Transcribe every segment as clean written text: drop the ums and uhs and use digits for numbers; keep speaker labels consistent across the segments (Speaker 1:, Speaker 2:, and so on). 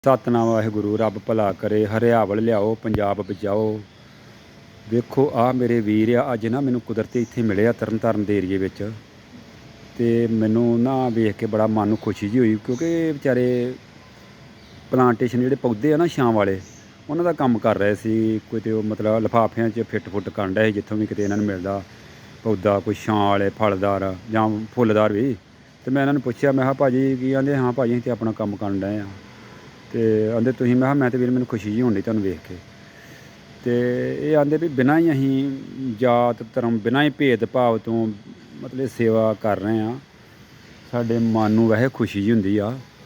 Speaker 1: ਸਤਨਾਮ ਵਾਹਿਗੁਰੂ। ਰੱਬ ਭਲਾ ਕਰੇ, ਹਰਿਆਵਲ ਲਿਆਓ, ਪੰਜਾਬ ਬਚਾਓ। ਵੇਖੋ ਆਹ ਮੇਰੇ ਵੀਰ ਆ, ਅੱਜ ਨਾ ਮੈਨੂੰ ਕੁਦਰਤੀ ਇੱਥੇ ਮਿਲੇ ਆ ਤਰਨ ਤਾਰਨ ਦੇ ਏਰੀਏ ਵਿੱਚ, ਅਤੇ ਮੈਨੂੰ ਨਾ ਵੇਖ ਕੇ ਬੜਾ ਮਨ ਨੂੰ ਖੁਸ਼ੀ ਜਿਹੀ ਹੋਈ, ਕਿਉਂਕਿ ਵਿਚਾਰੇ ਪਲਾਂਟੇਸ਼ਨ ਜਿਹੜੇ ਪੌਦੇ ਆ ਨਾ ਛਾਂ ਵਾਲੇ, ਉਹਨਾਂ ਦਾ ਕੰਮ ਕਰ ਰਹੇ ਸੀ। ਕੋਈ ਤੇ ਉਹ ਮਤਲਬ ਲਿਫਾਫਿਆਂ 'ਚ ਫਿੱਟ ਫੁੱਟ ਕਰਨ ਡਏ ਸੀ, ਜਿੱਥੋਂ ਵੀ ਕਿਤੇ ਇਹਨਾਂ ਨੂੰ ਮਿਲਦਾ ਪੌਦਾ, ਕੋਈ ਛਾਂ ਵਾਲੇ ਫਲਦਾਰ ਜਾਂ ਫੁੱਲਦਾਰ ਵੀ। ਅਤੇ ਮੈਂ ਇਹਨਾਂ ਨੂੰ ਪੁੱਛਿਆ, ਮੈਂ ਕਿਹਾ ਭਾਅ ਜੀ ਕੀ ਕਹਿੰਦੇ? ਹਾਂ ਭਾਅ ਜੀ ਅਸੀਂ ਤਾਂ ਆਪਣਾ ਕੰਮ ਕਰਨ ਡਏ ਹਾਂ। ਅਤੇ ਆਂਦੇ ਤੁਸੀਂ? ਮੈਂ ਕਿਹਾ ਮੈਂ ਤਾਂ ਵੀਰ ਮੈਨੂੰ ਖੁਸ਼ੀ ਜਿਹੀ ਹੋਣੀ ਤੁਹਾਨੂੰ ਵੇਖ ਕੇ। ਅਤੇ ਇਹ ਆਂਦੇ ਵੀ ਬਿਨਾਂ ਹੀ ਅਸੀਂ ਜਾਤ ਧਰਮ, ਬਿਨਾਂ ਹੀ ਭੇਦਭਾਵ ਤੋਂ ਮਤਲਬ ਸੇਵਾ ਕਰ ਰਹੇ ਹਾਂ। ਸਾਡੇ ਮਨ ਨੂੰ ਵੈਸੇ ਖੁਸ਼ੀ ਜਿਹੀ ਹੁੰਦੀ ਆ,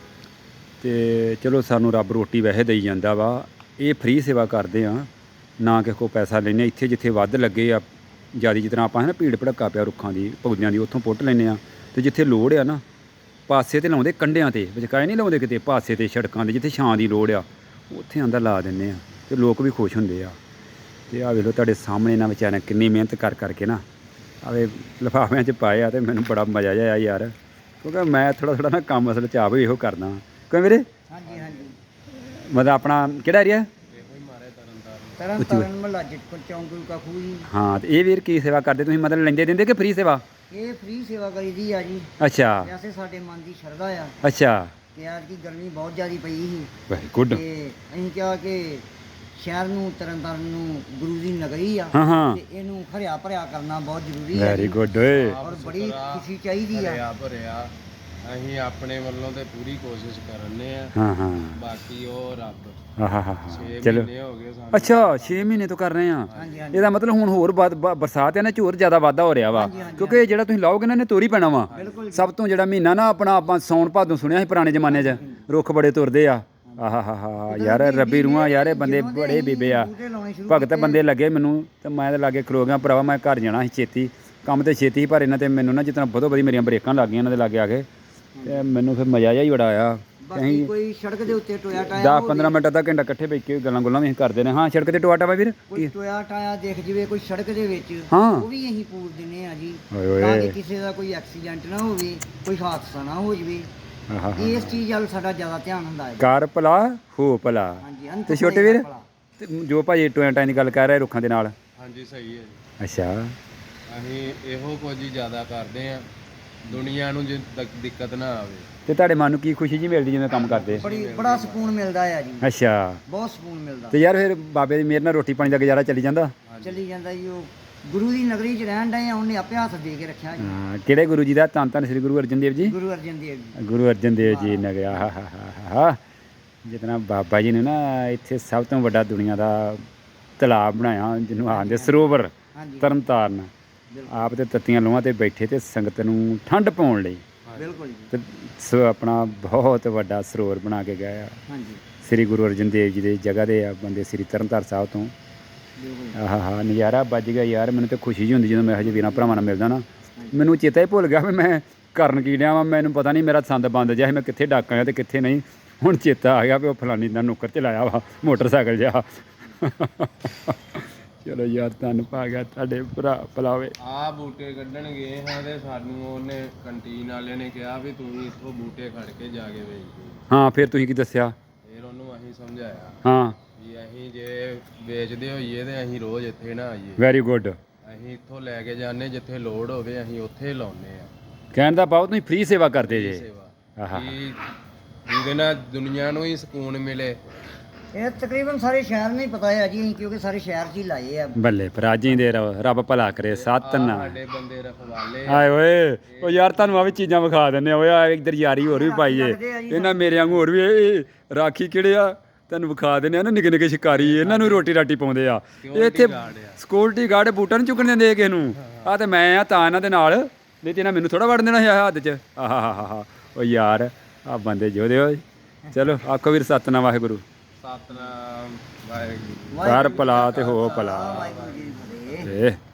Speaker 1: ਅਤੇ ਚਲੋ ਸਾਨੂੰ ਰੱਬ ਰੋਟੀ ਵੈਸੇ ਦੇਈ ਜਾਂਦਾ ਵਾ। ਇਹ ਫ੍ਰੀ ਸੇਵਾ ਕਰਦੇ ਹਾਂ, ਨਾ ਕਿਸੇ ਕੋਲ ਪੈਸਾ ਲੈਂਦੇ। ਇੱਥੇ ਜਿੱਥੇ ਵੱਧ ਲੱਗੇ ਆ ਜ਼ਿਆਦਾ, ਜਿਸ ਤਰ੍ਹਾਂ ਆਪਾਂ ਹੈ ਨਾ ਭੀੜ ਭੜੱਕਾ ਪਿਆ ਰੁੱਖਾਂ ਦੀ ਪੌਦਿਆਂ ਦੀ, ਉੱਥੋਂ ਪੁੱਟ ਲੈਂਦੇ ਹਾਂ। ਅਤੇ ਜਿੱਥੇ ਲੋੜ ਆ ਨਾ, ਪਾਸੇ 'ਤੇ ਲਾਉਂਦੇ, ਕੰਢਿਆਂ 'ਤੇ ਵਿਚਕਾਏ ਨਹੀਂ ਲਾਉਂਦੇ ਕਿਤੇ, ਪਾਸੇ 'ਤੇ ਸੜਕਾਂ 'ਤੇ ਜਿੱਥੇ ਛਾਂ ਦੀ ਲੋੜ ਆ ਉੱਥੇ ਆਂਦਾ ਲਾ ਦਿੰਦੇ ਆ, ਅਤੇ ਲੋਕ ਵੀ ਖੁਸ਼ ਹੁੰਦੇ ਆ। ਅਤੇ ਆਹ ਵੇਖ ਲਓ ਤੁਹਾਡੇ ਸਾਹਮਣੇ ਇਹਨਾਂ ਵਿਚਾਰਿਆਂ ਕਿੰਨੀ ਮਿਹਨਤ ਕਰਕੇ ਨਾ ਆਵੇ ਲਿਫਾਫਿਆਂ 'ਚ ਪਾਏ ਆ, ਅਤੇ ਮੈਨੂੰ ਬੜਾ ਮਜ਼ਾ ਜਿਹਾ ਆਇਆ ਯਾਰ, ਕਿਉਂਕਿ ਮੈਂ ਥੋੜ੍ਹਾ ਨਾ ਕੰਮ ਅਸਲ 'ਚ ਆਪ ਵੀ ਇਹੋ ਕਰਦਾ। ਕਿਉਂ ਵੀਰੇ?
Speaker 2: ਹਾਂਜੀ ਹਾਂਜੀ।
Speaker 1: ਮਤਲਬ ਆਪਣਾ ਕਿਹੜਾ ਏਰੀਆ?
Speaker 2: ਤਰਨ ਤਾਰਨ ਮਹੱਲਾ ਜਿੱਤਪੁਰ ਚੌਂਕ ਗੁਰੂ ਕਾ ਖੂਹ ਜੀ।
Speaker 1: ਹਾਂ, ਅਤੇ ਇਹ ਵੀਰ ਕੀ ਸੇਵਾ ਕਰਦੇ ਤੁਸੀਂ? ਮਤਲਬ ਲੈਂਦੇ ਦਿੰਦੇ ਕਿ ਫ੍ਰੀ ਸੇਵਾ?
Speaker 2: ਇਹ ਫ੍ਰੀ ਸੇਵਾ ਕਰੀਦੀ ਆ ਜੀ।
Speaker 1: ਅੱਛਾ
Speaker 2: ਵੈਸੇ ਸਾਡੇ ਮਨ ਦੀ ਸ਼ਰਧਾ ਆ
Speaker 1: ਅੱਛਾ।
Speaker 2: ਕਿ ਅੱਜ ਕੀ ਗਰਮੀ ਬਹੁਤ ਜ਼ਿਆਦਾ ਪਈ ਸੀ,
Speaker 1: ਵੈਰੀ ਗੁੱਡ।
Speaker 2: ਤੇ ਅਸੀਂ ਕਿਹਾ ਕਿ ਸ਼ਹਿਰ ਨੂੰ, ਤਰਨ ਤਾਰਨ ਨੂੰ ਗੁਰੂ ਦੀ ਨਗਰੀ ਆ,
Speaker 1: ਹਾਂ ਹਾਂ,
Speaker 2: ਤੇ ਇਹਨੂੰ ਹਰਿਆ ਭਰਿਆ ਕਰਨਾ ਬਹੁਤ ਜ਼ਰੂਰੀ ਹੈ।
Speaker 1: ਵੈਰੀ ਗੁੱਡ ਓਏ।
Speaker 2: ਔਰ ਬੜੀ ਖੁਸ਼ੀ ਚਾਹੀਦੀ ਆ।
Speaker 3: ਭਰਿਆ ਅਸੀਂ ਆਪਣੇ ਵੱਲੋਂ ਤੇ ਪੂਰੀ ਕੋਸ਼ਿਸ਼ ਕਰਨੇ ਆ।
Speaker 1: ਹਾਂ ਹਾਂ,
Speaker 3: ਬਾਕੀ ਉਹ ਰੱਬ।
Speaker 1: ਹਾਂ ਹਾਂ ਹਾਂ,
Speaker 3: 6
Speaker 1: ਚਲੋ।
Speaker 3: ਮਹੀਨੇ ਹੋ ਗਏ ਸਾਨੂੰ।
Speaker 1: ਅੱਛਾ 6 ਮਹੀਨੇ ਤੋਂ ਕਰ ਰਹੇ ਆ।
Speaker 2: ਹਾਂਜੀ ਹਾਂਜੀ।
Speaker 1: ਇਹਦਾ ਮਤਲਬ ਹੁਣ ਹੋਰ ਬਰਸਾਤ ਹੈ ਨਾ, ਝੋਰ ਜ਼ਿਆਦਾ ਵਾਧਾ ਹੋ ਰਿਹਾ ਵਾ,
Speaker 2: ਹਾਂਜੀ, ਹਾਂਜੀ,
Speaker 1: ਕਿਉਂਕਿ ਜਿਹੜਾ ਤੁਸੀਂ ਲਾਓਗੇ ਨਾ ਇਹਨੇ ਤੋਰੀ ਪੈਣਾ ਵਾ।
Speaker 2: ਬਿਲਕੁਲ।
Speaker 1: ਸਭ ਤੋਂ ਜਿਹੜਾ ਮਹੀਨਾ ਨਾ ਆਪਣਾ, ਆਪਾਂ ਸੌਣ ਭਾਦੋਂ ਸੁਣਿਆ ਸੀ ਪੁਰਾਣੇ ਜ਼ਮਾਨੇ 'ਚ, ਰੁੱਖ ਬੜੇ ਤੁਰਦੇ ਆ। ਆਹਾ ਹਾ ਹਾ ਯਾਰ, ਰੱਬੀ ਰੂਹਾਂ ਯਾਰ, ਇਹ ਬੰਦੇ ਬੜੇ ਬੀਬੇ ਆ, ਭਗਤ ਬੰਦੇ ਲੱਗੇ ਮੈਨੂੰ। ਤੇ ਮੈਂ ਤਾਂ ਲਾਗੇ ਖਲੋ ਗਿਆ, ਭਰਾਵਾ ਮੈਂ ਘਰ ਜਾਣਾ ਸੀ ਛੇਤੀ, ਕੰਮ ਤੇ ਛੇਤੀ ਸੀ, ਪਰ ਇਹਨਾਂ ਤੇ ਮੈਨੂੰ ਨਾ ਜਿਤਨਾ ਵਧੋ ਵਧੀ ਮੇਰੀਆਂ ਬਰੇਕਾਂ ਲੱਗ ਗਈਆਂ ਇਹਨਾਂ ਦੇ ਲਾਗੇ ਆ ਕੇ, ਅਤੇ ਮੈਨੂੰ ਫਿਰ ਮਜ਼ਾ ਜਿਹਾ ਹੀ ਬੜਾ ਆਇਆ।
Speaker 2: ਬਾਕੀ ਕੋਈ ਸੜਕ ਦੇ ਉੱਤੇ ਟੋਇਆ ਟਾਇਆ
Speaker 1: 10-15 ਮਿੰਟ ਅੱਧਾ ਘੰਟਾ ਇਕੱਠੇ ਬੈਠ ਕੇ ਗੱਲਾਂ ਗੁੱਲਾਂ ਵੀ ਅਸੀਂ ਕਰਦੇ ਨੇ। ਹਾਂ, ਸੜਕ ਤੇ ਟੋਆ ਟਾਵਾ ਵੀਰ
Speaker 2: ਕੋਈ ਟੋਇਆ ਟਾਇਆ ਦੇਖ ਜਵੇ ਕੋਈ ਸੜਕ ਦੇ ਵਿੱਚ,
Speaker 1: ਹਾਂ,
Speaker 2: ਉਹ ਵੀ ਅਸੀਂ ਪੂਰ ਦਿੰਦੇ ਆ ਜੀ,
Speaker 1: ਓਏ ਓਏ।
Speaker 2: ਤਾਂ ਕਿ ਕਿਸੇ ਦਾ ਕੋਈ ਐਕਸੀਡੈਂਟ ਨਾ ਹੋਵੇ, ਕੋਈ ਹਾਦਸਾ ਨਾ ਹੋ ਜਵੇ। ਇਸ ਚੀਜ਼ ਵੱਲ ਸਾਡਾ ਜ਼ਿਆਦਾ ਧਿਆਨ ਹੁੰਦਾ ਹੈ।
Speaker 1: ਕਰ ਭਲਾ ਹੋ ਭਲਾ।
Speaker 2: ਹਾਂਜੀ।
Speaker 1: ਤੇ ਛੋਟੇ ਵੀਰ, ਤੇ ਜੋ ਭਾਜੀ ਟੋਇਆਂ ਟਾਈਆਂ ਦੀ ਗੱਲ ਕਰ ਰਹੇ ਰੁੱਖਾਂ ਦੇ ਨਾਲ।
Speaker 3: ਹਾਂਜੀ ਸਹੀ ਹੈ ਜੀ।
Speaker 1: ਅੱਛਾ,
Speaker 3: ਅਸੀਂ ਇਹੋ ਕੁਝ ਹੀ ਜ਼ਿਆਦਾ ਕਰਦੇ ਆ, ਦੁਨੀਆ ਨੂੰ ਜੇ ਦਿੱਕਤ ਨਾ ਆਵੇ।
Speaker 1: ਤੇ ਤੁਹਾਡੇ ਮਨ ਨੂੰ ਕੀ ਖੁਸ਼ੀ ਜੀ ਮਿਲਦੀ ਜਿਵੇਂ ਕੰਮ ਕਰਦੇ?
Speaker 2: ਬੜਾ ਸਕੂਨ ਮਿਲਦਾ ਆ ਜੀ।
Speaker 1: ਅੱਛਾ,
Speaker 2: ਬਹੁਤ ਸਕੂਨ ਮਿਲਦਾ।
Speaker 1: ਤੇ ਯਾਰ ਫਿਰ ਬਾਬੇ ਦੀ ਮਿਹਰ ਨਾਲ ਰੋਟੀ ਪਾਣੀ ਦਾ ਗੁਜ਼ਾਰਾ ਚੱਲੀ ਜਾਂਦਾ?
Speaker 2: ਚੱਲੀ ਜਾਂਦਾ ਜੀ। ਉਹ ਗੁਰੂ ਦੀ ਨਗਰੀ 'ਚ ਰਹਿਣ ਡਏ ਆ, ਉਹਨੇ ਆਪੇ ਹੱਥ ਦੇ ਕੇ ਰੱਖਿਆ ਜੀ।
Speaker 1: ਹਾਂ, ਕਿਹੜੇ ਗੁਰੂ ਜੀ ਦਾ? ਧੰਨ ਧੰਨ ਸ੍ਰੀ ਗੁਰੂ ਅਰਜਨ ਦੇਵ ਜੀ।
Speaker 2: ਗੁਰੂ ਅਰਜਨ ਦੇਵ ਜੀ।
Speaker 1: ਗੁਰੂ ਅਰਜਨ ਦੇਵ ਜੀ ਨੇ ਗਿਆ। ਹਾ ਹਾ ਹਾ ਹਾ, ਜਿਤਨਾ ਬਾਬਾ ਜੀ ਨੇ ਨਾ ਇੱਥੇ ਸਭ ਤੋਂ ਵੱਡਾ ਦੁਨੀਆ ਦਾ ਤਲਾਬ ਬਣਾਇਆ, ਜਿਹਨੂੰ ਆਖਦੇ ਸਰੋਵਰ,
Speaker 2: ਹਾਂਜੀ
Speaker 1: ਤਰਨ ਤਾਰਨ। ਆਪ ਤੇ ਤੱਤੀਆਂ ਲੋਹਾਂ 'ਤੇ ਬੈਠੇ ਤੇ ਸੰਗਤ ਨੂੰ ਠੰਡ ਪਾਉਣ ਲਈ
Speaker 2: ਬਿਲਕੁਲ ਜੀ।
Speaker 1: ਤੇ ਆਪਣਾ ਬਹੁਤ ਵੱਡਾ ਸਰੋਵਰ ਬਣਾ ਕੇ ਗਏ ਆ।
Speaker 2: ਹਾਂਜੀ
Speaker 1: ਸ੍ਰੀ ਗੁਰੂ ਅਰਜਨ ਦੇਵ ਜੀ ਦੀ ਜਗ੍ਹਾ ਦੇ ਆ ਬੰਦੇ, ਸ੍ਰੀ ਤਰਨਤਾਰਨ ਸਾਹਿਬ ਤੋਂ।
Speaker 2: ਬਿਲਕੁਲ।
Speaker 1: ਆਹ ਹਾ, ਨਜ਼ਾਰਾ ਵੱਜ ਗਿਆ ਯਾਰ। ਮੈਨੂੰ ਤਾਂ ਖੁਸ਼ੀ ਜਿਹੀ ਹੁੰਦੀ ਜਦੋਂ ਮੈਂ ਇਹੋ ਜਿਹੇ ਵੀਰਾਂ ਭਰਾਵਾਂ ਨਾਲ ਮਿਲਦਾ ਨਾ। ਮੈਨੂੰ ਚੇਤਾ ਹੀ ਭੁੱਲ ਗਿਆ ਵੀ ਮੈਂ ਕਰਨ ਕੀ ਡਿਆ ਵਾਂ। ਮੈਨੂੰ ਪਤਾ ਨਹੀਂ, ਮੇਰਾ ਸੰਦ ਬੰਦ ਜਿਹਾ ਸੀ, ਮੈਂ ਕਿੱਥੇ ਡੱਕ ਆਇਆ ਅਤੇ ਕਿੱਥੇ ਨਹੀਂ। ਹੁਣ ਚੇਤਾ ਆ ਗਿਆ ਵੀ ਉਹ ਫਲਾਨੀ ਦਾ ਨੁੱਕਰ 'ਚ ਲਾਇਆ ਵਾ ਮੋਟਰਸਾਈਕਲ ਜਿਹਾ। ਚਲੋ ਯਾਰ, ਧੰਨ ਪਾ ਗਿਆ ਤੁਹਾਡੇ ਭਰਾ ਭਲਾਵੇ।
Speaker 3: ਆਹ ਬੂਟੇ ਕੱਢਣ ਗਏ ਹਾਂ ਤੇ ਸਾਨੂੰ ਉਹਨੇ ਕੰਟੀਨ ਵਾਲੇ ਨੇ ਕਿਹਾ ਵੀ ਤੁਸੀਂ ਇੱਥੋਂ ਬੂਟੇ ਖੜ ਕੇ ਜਾ ਕੇ ਵੇਚ ਦਿਓ।
Speaker 1: ਹਾਂ, ਫਿਰ ਤੁਸੀਂ ਕੀ ਦੱਸਿਆ?
Speaker 3: ਫਿਰ ਉਹਨੂੰ ਅਸੀਂ ਸਮਝਾਇਆ
Speaker 1: ਹਾਂ,
Speaker 3: ਵੀ ਅਸੀਂ ਜੇ ਵੇਚਦੇ ਹੋਈਏ ਤੇ ਅਸੀਂ ਰੋਜ਼ ਇੱਥੇ ਨਾ ਆਈਏ।
Speaker 1: Very good.
Speaker 3: ਅਸੀਂ ਇੱਥੋਂ ਲੈ ਕੇ ਜਾਂਦੇ, ਜਿੱਥੇ ਲੋੜ ਹੋਵੇ ਅਸੀਂ ਉੱਥੇ ਲਾਉਂਦੇ ਆ।
Speaker 1: ਕਹਿਣ ਦਾ ਭਾਵ ਤੁਸੀਂ ਫ੍ਰੀ ਸੇਵਾ ਕਰਦੇ ਜੇ।
Speaker 3: ਸੇਵਾ
Speaker 1: ਆਹਾ,
Speaker 3: ਕਿ ਜਿਹਦੇ ਨਾਲ ਦੁਨੀਆ ਨੂੰ ਹੀ ਸਕੂਨ ਮਿਲੇ।
Speaker 2: ਇਹ ਤਕਰੀਬਨ ਸਾਰੇ ਸ਼ਹਿਰ ਨੂੰ ਹੀ ਪਤਾ ਹੈ ਜੀ, ਅਸੀਂ ਕਿਉਂਕਿ ਸਾਰੇ ਸ਼ਹਿਰ 'ਚ ਹੀ ਲਾਏ ਆ।
Speaker 1: ਬੱਲੇ ਭਰਾਜੀ ਦੇ ਰੱਬ ਭਲਾ ਕਰੇ। ਸਤਨਾਮ।
Speaker 3: ਸਾਡੇ ਬੰਦੇ ਰਖਵਾਲੇ
Speaker 1: ਆਏ ਓਏ, ਉਹ ਯਾਰ ਤੁਹਾਨੂੰ ਆ ਵੀ ਚੀਜ਼ਾਂ ਵਿਖਾ ਦਿੰਦੇ ਆ ਓਏ। ਆ ਇੱਧਰ ਯਾਰੀ ਹੋਰ ਵੀ ਪਾਈਏ ਇਹਨਾਂ ਮੇਰੇ ਵਾਂਗੂ, ਹੋਰ ਵੀ ਇਹ ਰਾਖੀ ਕਿਹੜੇ ਆ ਤੁਹਾਨੂੰ ਵਿਖਾ ਦਿੰਦੇ ਆ ਨਾ, ਨਿੱਕੇ ਨਿੱਕੇ ਸ਼ਿਕਾਰੀ, ਇਹਨਾਂ ਨੂੰ ਰੋਟੀ ਰਾਟੀ ਪਾਉਂਦੇ ਆ। ਇਹ ਇੱਥੇ ਸਿਕਿਉਰਿਟੀ ਗਾਰਡ ਬੂਟਾਂ ਨੂੰ ਚੁੱਕਣ ਦਿੰਦੇ ਕਿਸੇ ਨੂੰ। ਆ ਤੇ ਮੈਂ ਆ ਤਾਂ ਇਹਨਾਂ ਦੇ ਨਾਲ, ਨਹੀਂ ਤੇ ਇਹਨਾਂ ਮੈਨੂੰ ਥੋੜਾ ਵੜ ਦੇਣਾ ਸੀ ਹੱਥ 'ਚ। ਆਹਾ ਹਾ ਹਾ ਹਾ, ਉਹ ਯਾਰ ਆ ਬੰਦੇ ਜੋਦੇ ਓਏ। ਚਲੋ ਆਖੋ ਵੀਰ ਸਤਨਾਮ ਵਾਹਿਗੁਰੂ।
Speaker 3: ਸਤਨਾਮ ਵਾਹਿਗੁਰੂ।
Speaker 1: ਕਰ ਭਲਾ ਤੇ ਹੋ ਭਲਾ।
Speaker 2: ਵਾਹਿਗੁਰੂ ਜੀ ਦੀ ਫਤਿਹ।